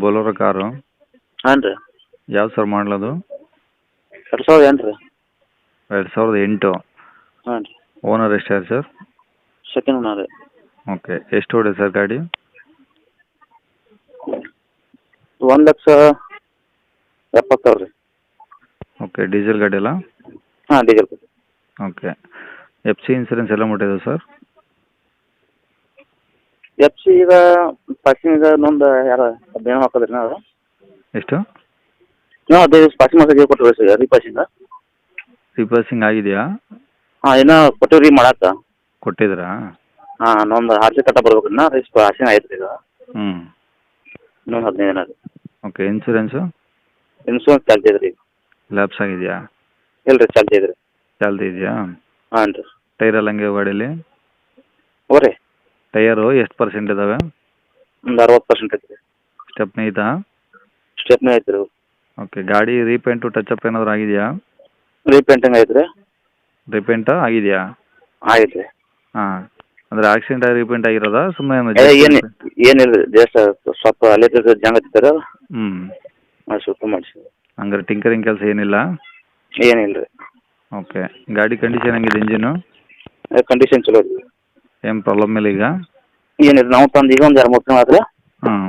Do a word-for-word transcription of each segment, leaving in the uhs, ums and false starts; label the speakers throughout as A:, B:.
A: Bolero car
B: ಹಾಂ ರೀ
A: ಯಾವ ಸರ್ ಮಾಡಲದು?
B: ಎರಡು ಸಾವಿರದ ಎಂಟು ರೀ.
A: ಎರಡು ಸಾವಿರದ ಎಂಟು.
B: ಹಾಂ ರೀ.
A: ಓನರ್ ಎಷ್ಟಾರು ಸರ್?
B: ಸೆಕೆಂಡ್ ಓನರ್ ರೀ.
A: ಓಕೆ, ಎಷ್ಟು ಹೊಡೆ ಸರ್ ಗಾಡಿ?
B: ಒಂದು ಲಕ್ಷ ಎಪ್ಪತ್ತು ಸಾವಿರ ರೀ.
A: ಓಕೆ, ಡೀಸೆಲ್ ಗಾಡಿ ಅಲ್ಲ?
B: ಹಾಂ, ಡೀಸೆಲ್ ಗಾಡಿ.
A: ಓಕೆ, ಎಫ್ ಸಿ ಇನ್ಸೂರೆನ್ಸ್ ಎಲ್ಲ ಮುಟ್ಟಿದೆ ಸರ್?
B: ಎಫ್ ಸಿ ಈಗ ಪಾಸಿಂಗ್ ಈಗ ಇನ್ನೊಂದು ಯಾರು ಹದಿನೈದು ಹಾಕೋದ್ರಿ ನಾವು.
A: ಎಷ್ಟು?
B: ನಾವು ಹದಿನೈದು ಪಾಸಿಂಗ್ ಮಾಡ್ಸೋಕೆ ಕೊಟ್ಟಿವಿ ಸರ್, ರೀಪಾಸಿಂಗ್.
A: ರೀಪಾಸಿಂಗ್ ಆಗಿದೆಯಾ?
B: ಹಾಂ, ಇನ್ನೂ ಕೊಟ್ಟಿವಿ ರೀ ಮಾಡಕ್ಕೆ.
A: ಕೊಟ್ಟಿದ್ರಾ?
B: ಹಾಂ, ಇನ್ನೊಂದು ಆರ್ ಸಿ ಕಟ್ಟ ಬರ್ಬೇಕು ರೀ, ನಾ ರೀ ಪಾಸಿಂಗ್ ಆಯ್ತು ರೀ ಈಗ.
A: ಹ್ಞೂ.
B: ಇನ್ನೊಂದು ಹದಿನೈದು ದಿನ ರೀ.
A: Okay, insurance?
B: ಇನ್ಸೂರೆನ್ಸ್ ಚಾಲ್ತಿ ಇದೆ ರೀ.
A: ಲ್ಯಾಪ್ಸ್ ಆಗಿದೆಯಾ?
B: ಇಲ್ಲ ರೀ, ಚಾಲ್ತಿ ಇದೆ ರೀ.
A: ಚಾಲ್ತಿ ಇದೆಯಾ?
B: ಹಾಂ ರೀ.
A: ಟೈರ್ ಎಲ್ಲ ಹಂಗೆ ಗಾಡೀಲಿ?
B: ಓ ರೀ.
A: ಟೈರು ಎಷ್ಟು ಪರ್ಸೆಂಟ್ ಇದ್ದಾವೆ?
B: ಒಂದು ಅರವತ್ತು ಪರ್ಸೆಂಟ್ ಐತೆ ರೀ.
A: ಸ್ಟೆಪ್ನಿ ಐತಾ?
B: ಸ್ಟೆಪ್ನಿ ಐತೆ ರೀ.
A: ಓಕೆ, ಗಾಡಿ ರೀಪೇಂಟು ಟಚಪ್ ಏನಾದರೂ ಆಗಿದೆಯಾ?
B: ರೀಪೇಂಟಿಂಗ್ ಐತೆ ರೀ.
A: ರೀಪೇಂಟು ಆಗಿದೆಯಾ?
B: ಆಯ್ತು ರೀ.
A: ಹಾಂ, ಅಂದರೆ ಆಕ್ಸಿಡೆಂಟ್ ಆಗಿ ರೀಪೇಂಟ್ ಆಗಿರೋದಾ ಸುಮ್ಮನೆ?
B: ಏನು ಏನಿಲ್ಲ ರೀ, ಜಸ್ಟ್ ಸ್ವಲ್ಪ ಅಲ್ಲೇ ಜಂಗ್ ಹತ್ತಿರ.
A: ಹ್ಞೂ.
B: ಹಾಂ, ಸ್ವಲ್ಪ ಮಾಡಿಸಿ.
A: ಹಂಗಾರೆ ಟಿಂಕರಿಂಗ್ ಕೆಲಸ ಏನಿಲ್ಲ?
B: ಏನಿಲ್ಲ ರೀ.
A: ಓಕೆ, ಗಾಡಿ ಕಂಡೀಷನ್ ಹೆಂಗಿದೆ ಇಂಜಿನು?
B: ಕಂಡೀಷನ್ ಚಲೋ ರೀ.
A: ಏನು ಪ್ರಾಬ್ಲಮ್ ಇಲ್ಲ ಈಗ?
B: ಏನಿಲ್ಲ, ನಾವು ತಂದು ಈಗ ಒಂದು ಎರಡು ಮೂರು ತಿಂಗಳು ಆದ್ರೆ
A: ಹಾಂ.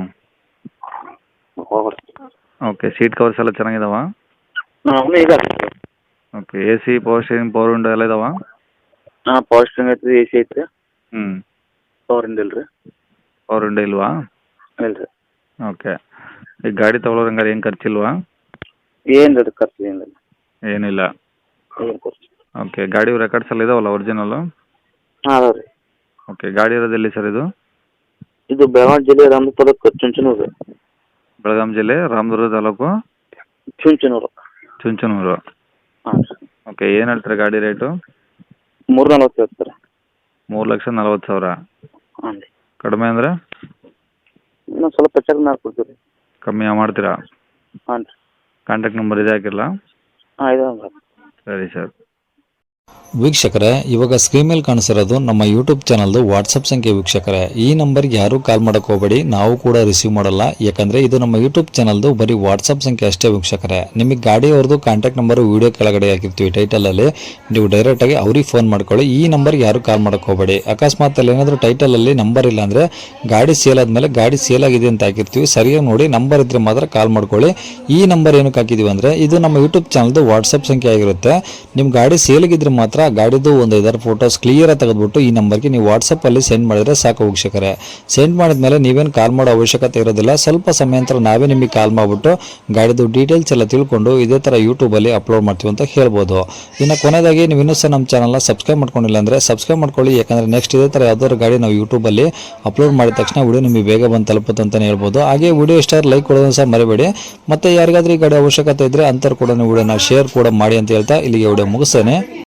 B: ಹೋಗ್ರಿ.
A: ಓಕೆ, ಸೀಟ್ ಕವರ್ಸ್ ಎಲ್ಲ ಚೆನ್ನಾಗಿದಾವ?
B: ಹಾಂ, ಈಗ
A: okay, A C, power steering, power window ಎಲ್ಲ ಇದಾವ?
B: ಹಾಂ, ಪವರ್ ಸ್ಟೇರಿಂಗ್ ಐತೆ ರೀ, ಎ ಸಿ ಐತೆ ರೀ.
A: ಹ್ಞೂ.
B: ಪವರ್ ವಿಂಡೋ ಇಲ್ಲ ರೀ. ಪವರ್
A: ವಿಂಡೋ ಇಲ್ವಾ?
B: ಇಲ್ಲ ರೀ.
A: ಓಕೆ, ಈಗ ಗಾಡಿ ತೊಗೊಳೋರು ಹಂಗಾರೆ ಏನು ಖರ್ಚಿಲ್ವಾ?
B: ಏನು ರೀ ಖರ್ಚು ಏನಿಲ್ಲ.
A: ಏನಿಲ್ಲ.
B: ಏನು ಖರ್ಚು.
A: ಓಕೆ, ಗಾಡಿ ರೆಕಾರ್ಡ್ಸ್ ಎಲ್ಲ ಇದಾವಲ್ಲ ಒರಿಜಿನಲ್ಲು?
B: ಹಾಂ, ಅದಾವೆ ರೀ.
A: ಓಕೆ, ಗಾಡಿ ಇರೋದು ಎಲ್ಲಿ ಸರ್ ಇದು?
B: ಇದು ಬೆಳಗಾವಿ ಜಿಲ್ಲೆ ರಾಮದುರ್ಗ ತಾಲೂಕು ಚುಂಚನೂರು ರೀ.
A: ಬೆಳಗಾಂ ಜಿಲ್ಲೆ ರಾಮದುರ್ಗ ತಾಲೂಕು
B: ಚುಂಚನೂರು.
A: ಚುಂಚನೂರು.
B: ಹಾಂ.
A: ಓಕೆ, ಏನು ಹೇಳ್ತಾರೆ ಗಾಡಿ ರೇಟು?
B: ಮೂರು ನಲ್ವತ್ತು ಹೇಳ್ತಾರೆ.
A: ಮೂರು ಲಕ್ಷ ನಲ್ವತ್ತು ಸಾವಿರ.
B: ಹಾಂ ರೀ.
A: ಕಡಿಮೆ ಅಂದರೆ?
B: ಇನ್ನೊಂದು ಸ್ವಲ್ಪ ಹೆಚ್ಚಾಗಿ ಮಾಡ್ಕೊಡ್ತೀವಿ ರೀ.
A: ಕಮ್ಮಿ ಮಾಡ್ತೀರಾ?
B: ಹಾಂ ರೀ.
A: ಕಾಂಟ್ಯಾಕ್ಟ್ ನಂಬರ್ ಇದೆ ಹಾಕಿರಲ್ಲ?
B: ಹಾಂ, ಇದೆ ಹಂಗೆ.
A: ಸರಿ ಸರ್.
C: ವೀಕ್ಷಕರೇ, ಇವಾಗ ಸ್ಕ್ರೀನ್ ಮೇಲೆ ಕಾಣಿಸಿರೋದು ನಮ್ಮ ಯೂಟ್ಯೂಬ್ ಚಾನಲ್ದು ವಾಟ್ಸಪ್ ಸಂಖ್ಯೆ. ವೀಕ್ಷಕರೇ, ಈ ನಂಬರ್ಗೆ ಯಾರೂ ಕಾಲ್ ಮಾಡೋಕೆ ಹೋಗಬೇಡಿ, ನಾವು ಕೂಡ ರಿಸೀವ್ ಮಾಡಲ್ಲ. ಯಾಕಂದರೆ ಇದು ನಮ್ಮ ಯೂಟ್ಯೂಬ್ ಚಾನಲ್ದು ಬರೀ ವಾಟ್ಸಪ್ ಸಂಖ್ಯೆ ಅಷ್ಟೇ. ವೀಕ್ಷಕರೇ, ನಿಮಗೆ ಗಾಡಿಯವ್ರದ್ದು ಕಾಂಟ್ಯಾಕ್ಟ್ ನಂಬರು ವೀಡಿಯೋ ಕೆಳಗಡೆ ಹಾಕಿರ್ತೀವಿ ಟೈಟಲಲ್ಲಿ, ನೀವು ಡೈರೆಕ್ಟಾಗಿ ಅವ್ರಿಗೆ ಫೋನ್ ಮಾಡ್ಕೊಳ್ಳಿ. ಈ ನಂಬರ್ಗೆ ಯಾರೂ ಕಾಲ್ ಮಾಡೋಕೆ ಹೋಗಬೇಡಿ. ಅಕಸ್ಮಾತ್ ಅಲ್ಲಿ ಏನಾದರೂ ಟೈಟಲಲ್ಲಿ ನಂಬರ್ ಇಲ್ಲ ಅಂದರೆ ಗಾಡಿ ಸೇಲ್ ಆದಮೇಲೆ ಗಾಡಿ ಸೇಲ್ ಆಗಿದೆ ಅಂತ ಹಾಕಿರ್ತೀವಿ, ಸರಿಯಾಗಿ ನೋಡಿ ನಂಬರ್ ಇದ್ದರೆ ಮಾತ್ರ ಕಾಲ್ ಮಾಡ್ಕೊಳ್ಳಿ. ಈ ನಂಬರ್ ಏನಕ್ಕೆ ಹಾಕಿದ್ದೀವಿ ಅಂದರೆ ಇದು ನಮ್ಮ ಯೂಟ್ಯೂಬ್ ಚಾನಲ್ದು ವಾಟ್ಸಪ್ ಸಂಖ್ಯೆ ಆಗಿರುತ್ತೆ. ನಿಮ್ಮ ಗಾಡಿ ಸೇಲಿಗಿದ್ರೆ ಮಾತ್ರ ಗಾಡಿದು ಒಂದು ಐದಾರು ಫೋಟೋಸ್ ಕ್ಲಿಯರಾಗಿ ತೆಗೆದುಬಿಟ್ಟು ಈ ನಂಬರ್ಗೆ ನೀವು ವಾಟ್ಸಪ್ಪಲ್ಲಿ ಸೆಂಡ್ ಮಾಡಿದರೆ ಸಾಕು. ವೀಕ್ಷಕರೇ, ಸೆಂಡ್ ಮಾಡಿದ್ಮೇಲೆ ನೀವೇನು ಕಾಲ್ ಮಾಡೋ ಅವಶ್ಯಕತೆ ಇರೋದಿಲ್ಲ. ಸ್ವಲ್ಪ ಸಮಯ ನಂತರ ನಾವೇ ನಿಮಗೆ ಕಾಲ್ ಮಾಡಿಬಿಟ್ಟು ಗಾಡಿದು ಡೀಟೇಲ್ಸ್ ಎಲ್ಲ ತಿಳ್ಕೊಂಡು ಇದೇ ಥರ ಯೂಟ್ಯೂಬಲ್ಲಿ ಅಪ್ಲೋಡ್ ಮಾಡ್ತೀವಿ ಅಂತ ಹೇಳ್ಬೋದು. ಇನ್ನು ಕೊನೆಯದಾಗಿ ನೀವು ಇನ್ನೂ ಸಹ ನಮ್ಮ ಚಾನಲ್ನ ಸಬ್ಸ್ಕ್ರೈಬ್ ಮಾಡ್ಕೊಂಡಿಲ್ಲ ಅಂದರೆ ಸಬ್ಸ್ಕ್ರೈಬ್ ಮಾಡ್ಕೊಳ್ಳಿ. ಯಾಕಂದರೆ ನೆಕ್ಸ್ಟ್ ಇದೇ ಥರ ಯಾವ್ದಾದ್ರು ಗಾಡಿ ನಾವು ಯೂಟ್ಯೂಬಲ್ಲಿ ಅಪ್ಲೋಡ್ ಮಾಡಿದ ತಕ್ಷಣ ವಿಡಿಯೋ ನಿಮಗೆ ಬೇಗ ಬಂದು ತಲುಪುತ್ತೆ ಅಂತಲೇ ಹೇಳ್ಬೋದು. ಹಾಗೆ ವಿಡಿಯೋ ಇಷ್ಟ ಲೈಕ್ ಕೊಡೋದನ್ನು ಸಹ ಮರಿಬೇಡಿ. ಮತ್ತು ಯಾರಿಗಾದ್ರೂ ಈ ಗಾಡಿ ಅವಶ್ಯಕತೆ ಇದ್ದರೆ ಅಂಥವ್ರು ಕೂಡ ವಿಡಿಯೋನ ಶೇರ್ ಕೂಡ ಮಾಡಿ ಅಂತ ಹೇಳ್ತಾ ಇಲ್ಲಿಗೆ ವಿಡಿಯೋ ಮುಗಿಸ್ತೇನೆ.